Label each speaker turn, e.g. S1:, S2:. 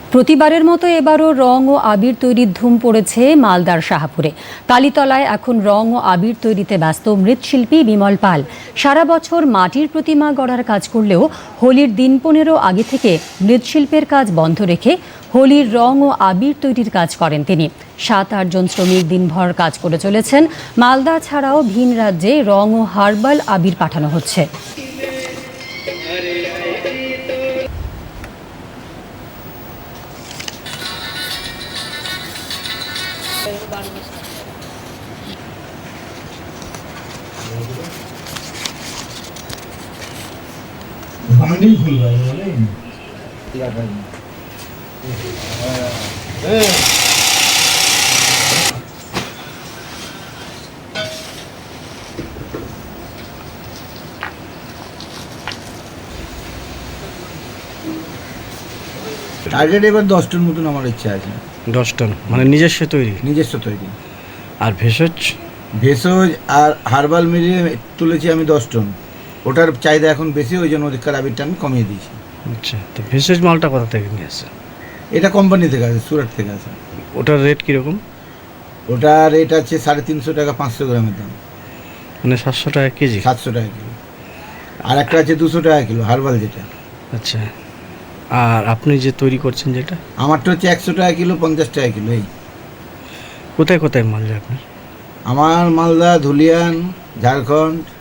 S1: প্রতিবারের মতো এবারও রং ও আবির তৈরির ধুম পড়েছে মালদার শাহপুরে। কালীতলায় এখন রং ও আবির তৈরিতে ব্যস্ত মৃৎশিল্পী বিমল পাল। সারা বছর মাটির প্রতিমা গড়ার কাজ করলেও হোলির দিন 15 আগে থেকে মৃৎশিল্পের কাজ বন্ধ রেখে হোলির রং ও আবির তৈরির কাজ করেন তিনি। 7-8 জন শ্রমিক দিনভর কাজ করে চলেছেন। মালদা ছাড়াও ভিন রাজ্যে রং ও হার্বাল আবির পাঠানো হচ্ছে।
S2: টার্গেট এবার 10 টন মতন আমার ইচ্ছা আছে।
S3: 10 টন মানে নিজস্ব তৈরি?
S2: নিজস্ব তৈরি।
S3: আর ভেষজ
S2: আর হার্বাল মিলিয়ে তুলেছি আমি 10 টন। ওটার চাহিদা এখন বেশি, ওই জন্য ওদিককার আবিরটা আমি কমিয়ে দিয়েছি।
S3: আচ্ছা, তো ভেষজ মালটা কোথা থেকে নিয়ে আসে?
S2: এটা কোম্পানি থেকে আসে, সুরাট থেকে আসে।
S3: ওটার রেট কীরকম?
S2: ওটার রেট আছে 350 টাকা 500 গ্রামের দাম।
S3: মানে 700 টাকা কেজি?
S2: 700 টাকা কিলো। আর একটা আছে 200 টাকা কিলো হার্বাল যেটা।
S3: আচ্ছা, আর আপনি যে তৈরি করছেন যেটা?
S2: আমারটা হচ্ছে 100 টাকা কিলো, 50 টাকা কিলো। এই
S3: কোথায় কোথায় মাল যায় আপনার?
S2: আমার মালদা, ধুলিয়ান, ঝাড়খণ্ড,